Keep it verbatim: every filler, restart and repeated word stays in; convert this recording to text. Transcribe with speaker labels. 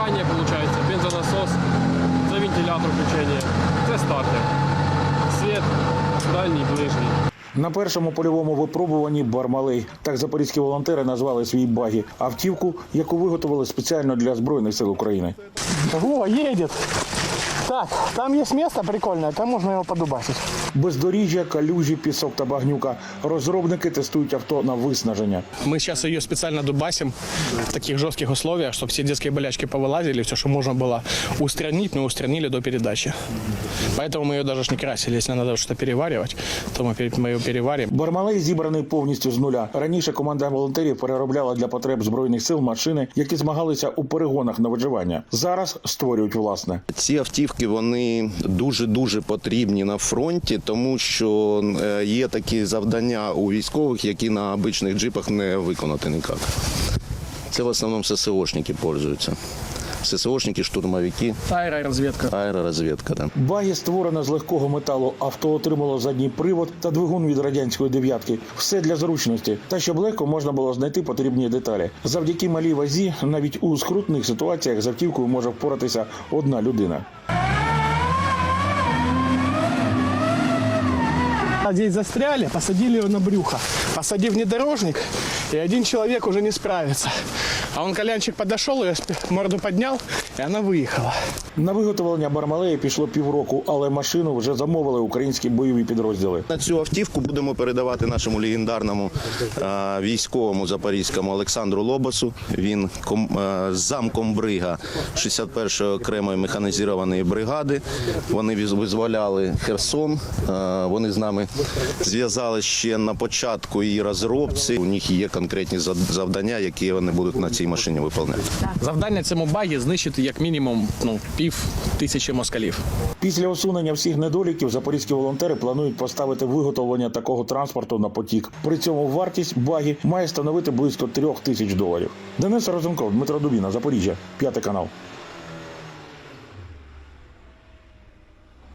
Speaker 1: зажигання, виходить, бензонасос, це вентилятор включення, це стартер. Світ дальній, ближній.
Speaker 2: На першому польовому випробуванні «Бармалей». Так запорізькі волонтери назвали свій багі. Автівку, яку виготовили спеціально для Збройних сил України.
Speaker 3: Во, едет. Так, там есть место прикольное, там можно его подубасить.
Speaker 2: Бездоріжжя, калюжі, пісок та багнюка. Розробники тестують авто на виснаження.
Speaker 4: Мы сейчас ее специально дубасим в таких жестких условиях, чтобы все детские болячки повылазили, все, что можно было устранить, мы устранили до передачи. Поэтому мы ее даже не красили. Если надо что-то переваривать, то мы мы ее переварим.
Speaker 2: «Бармалей» зібраний повністю з нуля. Раніше команда волонтерів переробляла для потреб Збройних сил машини, які змагалися у перегонах на виживання. Зараз створюють власне.
Speaker 5: Ці автівки, вони дуже-дуже потрібні на фронті, тому що є такі завдання у військових, які на обичних джипах не виконати ніяк. Це в основному ССОшники пользуються. ССОшники, штурмовики.
Speaker 4: Аеророзведка.
Speaker 5: Аеророзведка, да.
Speaker 2: Багі створено з легкого металу. Авто отримало задній привод та двигун від радянської дев'ятки. Все для зручності. Та щоб легко можна було знайти потрібні деталі. Завдяки малій вазі навіть у скрутних ситуаціях з автівкою може впоратися одна людина.
Speaker 3: Здесь застряли, посадили его на брюхо.
Speaker 4: Посадив внедорожник, и один человек уже не справится. А он, колянчик, подошел, ее морду поднял, и она выехала.
Speaker 2: На виготовлення «Бармалея» пішло півроку, але машину вже замовили українські бойові підрозділи.
Speaker 5: На цю автівку будемо передавати нашому легендарному е, військовому запорізькому Олександру Лобосу. Він ком, е, замкомбрига шістдесят першої окремої механізованої бригади. Вони визволяли Херсон. Е, вони з нами зв'язали ще на початку її розробці. У них є конкретні завдання, які вони будуть на цій машині виконувати.
Speaker 4: Завдання цьому багі знищити як мінімум ну, пів тисячі москалів.
Speaker 2: Після усунення всіх недоліків запорізькі волонтери планують поставити виготовлення такого транспорту на потік. При цьому вартість багі має становити близько трьох тисяч доларів. Денис Розенков, Дмитро Дубіна, Запоріжжя, п'ятий канал.